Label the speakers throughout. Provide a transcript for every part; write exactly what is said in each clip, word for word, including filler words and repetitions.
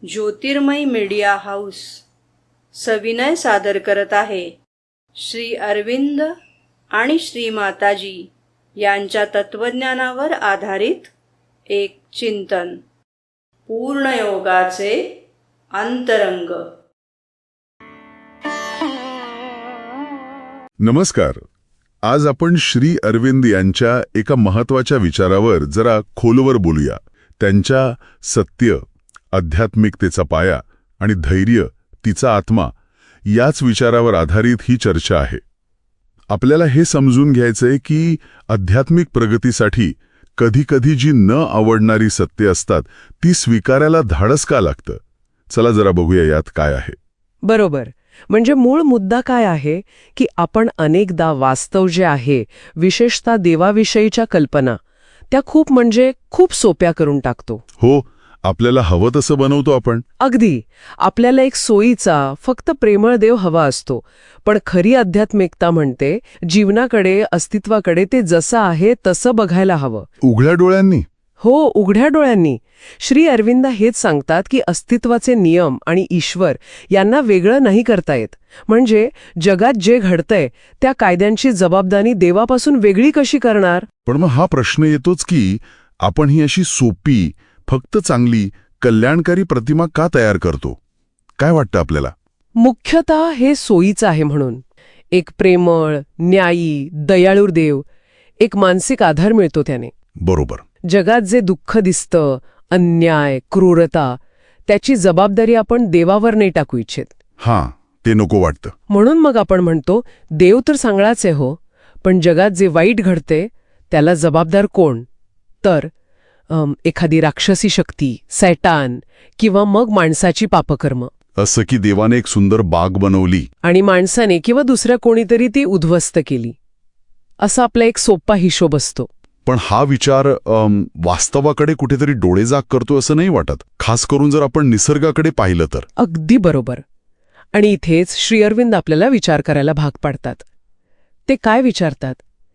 Speaker 1: ज्योतिर्मय media house सविनय सादर करत आहे श्री अरविंद आणि श्री माताजी यांच्या तत्वज्ञानावर आधारित एक चिंतन, पूर्णयोगाचे अंतरंग.
Speaker 2: नमस्कार. आज आपण श्री अरविंद यांच्या एका महत्वाच्या विचारावर जरा खोलवर बोलूया. त्यांच्या सत्य, आध्यात्मिकतेचा पाया आणि धैर्य तिचा आत्मा याच विचारावर आधारित ही चर्चा आहे. आपल्याला हे समजून घ्यायचंय की आध्यात्मिक प्रगतीसाठी कधीकधी जी न आवडणारी सत्य असतात ती स्वीकारायला धाडस का लागतं. चला जरा बघूया यात काय आहे.
Speaker 3: बरोबर. म्हणजे मूळ मुद्दा काय आहे की आपण अनेकदा वास्तव जे आहे, विशेषतः देवाविषयीच्या कल्पना, त्या खूप म्हणजे खूप सोप्या करून टाकतो.
Speaker 2: हो, आपल्याला हवं तसं बनवतो आपण.
Speaker 3: अगदी. आपल्याला एक सोयीचा, फक्त प्रेमळ देव हवा असतो. पण खरी आध्यात्मिकता म्हणते जीवनाकडे, अस्तित्वाकडे ते जसं आहे तसं बघायला हवं.
Speaker 2: उघड्या डोळ्यांनी.
Speaker 3: हो, उघड्या डोळ्यांनी. श्री अरविंद हेच सांगतात की अस्तित्वाचे नियम आणि ईश्वर यांना वेगळं नाही करता येत. म्हणजे जगात जे घडतंय त्या कायद्यांची जबाबदारी देवापासून वेगळी कशी करणार.
Speaker 2: पण मग हा प्रश्न येतोच की आपण ही अशी सोपी, फक्त चांगली, कल्याणकारी प्रतिमा का तयार करतो. काय वाटतं आपल्याला.
Speaker 3: मुख्यतः हे सोयीचं आहे म्हणून. एक प्रेमळ, न्यायी, दयाळू देव, एक मानसिक आधार मिळतो त्याने.
Speaker 2: बरोबर.
Speaker 3: जगात जे दुःख दिसतं, अन्याय, क्रूरता, त्याची जबाबदारी आपण देवावर नाही टाकू इच्छित.
Speaker 2: हां, ते नको वाटतं.
Speaker 3: म्हणून मग आपण म्हणतो देव तर चांगलाच आहे हो, पण जगात जे वाईट घडते त्याला जबाबदार कोण. तर अम, एखादी राक्षसी शक्ती, सैतान, किंवा मग माणसाची पापकर्म.
Speaker 2: असं की देवाने एक सुंदर बाग बनवली
Speaker 3: आणि माणसाने किंवा दुसऱ्या कोणीतरी ती उद्ध्वस्त केली, असा आपला एक सोपा हिशोब असतो.
Speaker 2: पण हा विचार अम, वास्तवाकडे कुठेतरी डोळेजाग करतो असं नाही वाटत, खास करून जर आपण निसर्गाकडे पाहिलं तर.
Speaker 3: अगदी बरोबर. आणि इथेच श्री अरविंद आपल्याला विचार करायला भाग पाडतात. ते काय विचारतात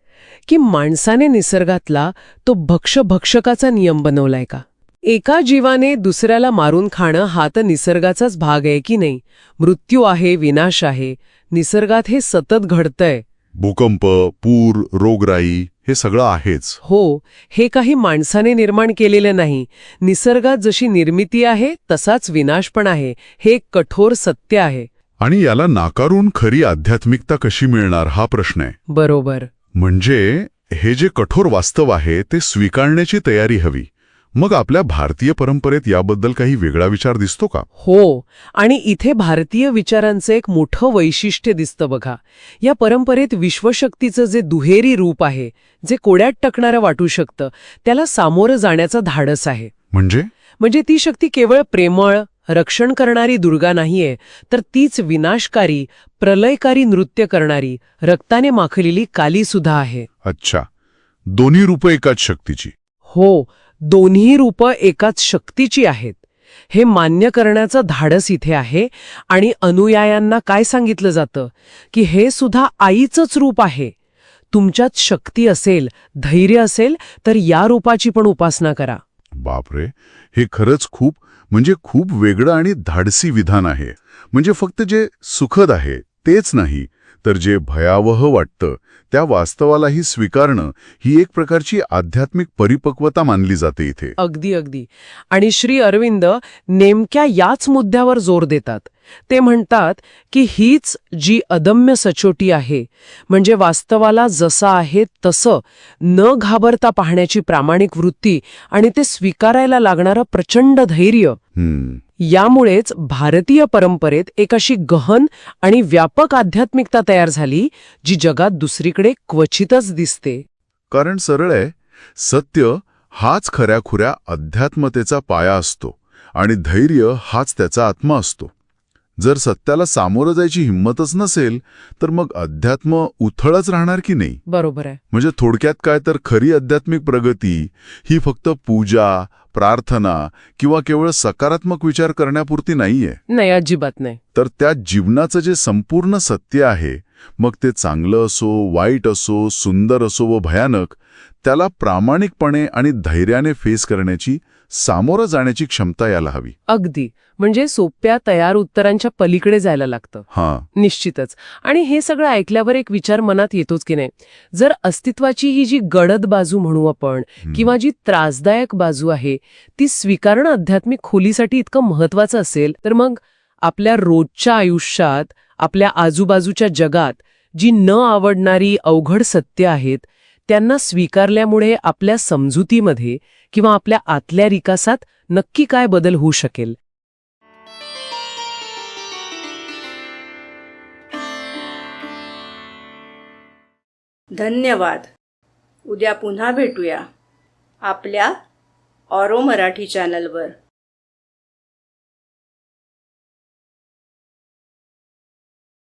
Speaker 3: की माणसाने निसर्गातला तो भक्ष-भक्षकाचा नियम बनवलाय का. एका जीवाने दुसऱ्याला मारून खाणं हा तर निसर्गाचाच भाग आहे की नाही. मृत्यू आहे, विनाश आहे, निसर्गात हे सतत घडतंय.
Speaker 2: भूकंप, पूर, रोगराई हे सगळं आहेच.
Speaker 3: हो, हे काही माणसाने निर्माण केलेलं नाही. निसर्गात जशी निर्मिती आहे तसाच विनाश पण आहे. हे एक कठोर सत्य आहे.
Speaker 2: आणि याला नाकारून खरी आध्यात्मिकता कशी मिळणार हा प्रश्न आहे.
Speaker 3: बरोबर.
Speaker 2: म्हणजे हे जे कठोर वास्तव आहे ते स्वीकारण्याची तयारी हवी. मग आपल्या भारतीय परंपरेत याबद्दल काही वेगळा विचार दिसतो का.
Speaker 3: हो, आणि इथे भारतीय विचारांचं एक मोठं वैशिष्ट्य दिसतं बघा. या परंपरेत विश्वशक्तीचं जे दुहेरी रूप आहे, जे कोड्यात टाकणारं वाटू शकतं, त्याला सामोरं जाण्याचं धाडस आहे.
Speaker 2: म्हणजे
Speaker 3: म्हणजे ती शक्ती केवळ प्रेमळ, रक्षण करणारी दुर्गा नाहीये, तर तीच विनाशकारी, प्रलयकारी नृत्य करणारी, रक्ताने माखलेली काली सुद्धा आहे.
Speaker 2: अच्छा, दोन्ही रूपं एकाच शक्तीची.
Speaker 3: हो, दोन्ही रूपं एकाच शक्तीची आहेत. हे मान्य करण्याचं धाडस इथे आहे. आणि अनुयायांना काय सांगितलं जातं की हे सुद्धा आईचंच रूप आहे. तुमच्यात शक्ती असेल, धैर्य असेल तर या रूपाची पण उपासना करा.
Speaker 2: बापरे, हे खरंच खूप म्हणजे खूप वेगळं आणि धाडसी विधान आहे. म्हणजे फक्त जे सुखद आहे तेच नाही, तर जे भयावह वाटतं त्या वास्तवालाही स्वीकारणं ही एक प्रकारची आध्यात्मिक परिपक्वता मानली जाते इथे.
Speaker 3: अगदी अगदी. आणि श्री अरविंद नेमक्या याच मुद्द्यावर जोर देतात. ते म्हणतात की हीच जी अदम्य सचोटी आहे, म्हणजे वास्तवाला जसं आहे तसं न घाबरता पाहण्याची प्रामाणिक वृत्ती आणि ते स्वीकारायला लागणारं प्रचंड धैर्य, यामुळेच भारतीय परंपरेत एक अशी गहन आणि व्यापक आध्यात्मिकता तयार झाली जी जगात दुसरीकडे क्वचितच दिसते.
Speaker 2: कारण सरळ आहे, सत्य हाच खऱ्याखुऱ्या अध्यात्मतेचा पाया असतो आणि धैर्य हाच त्याचा आत्मा असतो. जर सत्याला सामोरं जायची हिंमतच नसेल तर मग अध्यात्म उथळच राहणार की नाही.
Speaker 3: बरोबर आहे.
Speaker 2: म्हणजे थोडक्यात काय तर खरी आध्यात्मिक प्रगती ही फक्त पूजा, प्रार्थना किंवा केवळ सकारात्मक विचार करण्यापुरती नाहीये.
Speaker 3: नाही, अजिबात नाही.
Speaker 2: तर त्या जीवनाचं जे संपूर्ण सत्य आहे, मग ते चांगलं असो, वाईट असो, सुंदर असो व भयानक, त्याला प्रामाणिकपणे आणि धैर्याने फेस करण्याची सामोरं जाण्याची क्षमता यायला हवी.
Speaker 3: अगदी. म्हणजे सोप्या तयार उत्तरांच्या पलीकडे जायला लागतं.
Speaker 2: हां,
Speaker 3: निश्चितच. आणि हे सगळं ऐकल्यावर एक विचार मनात येतोच की नाही, जर अस्तित्वाची ही जी गडद बाजू म्हणू आपण किंवा जी त्रासदायक बाजू आहे ती स्वीकारणं आध्यात्मिक खोलीसाठी इतकं महत्वाचं असेल, तर मग आपल्या रोजच्या आयुष्यात, आपल्या आजूबाजूच्या जगात जी न आवडणारी अवघड सत्य आहेत त्यांना स्वीकारल्यामुळे आपल्या समजुतीमध्ये किंवा आपल्या आतल्या विकासात नक्की काय बदल होऊ शकेल?
Speaker 1: धन्यवाद. उद्या पुन्हा भेटूया आपल्या ऑरो मराठी चॅनलवर.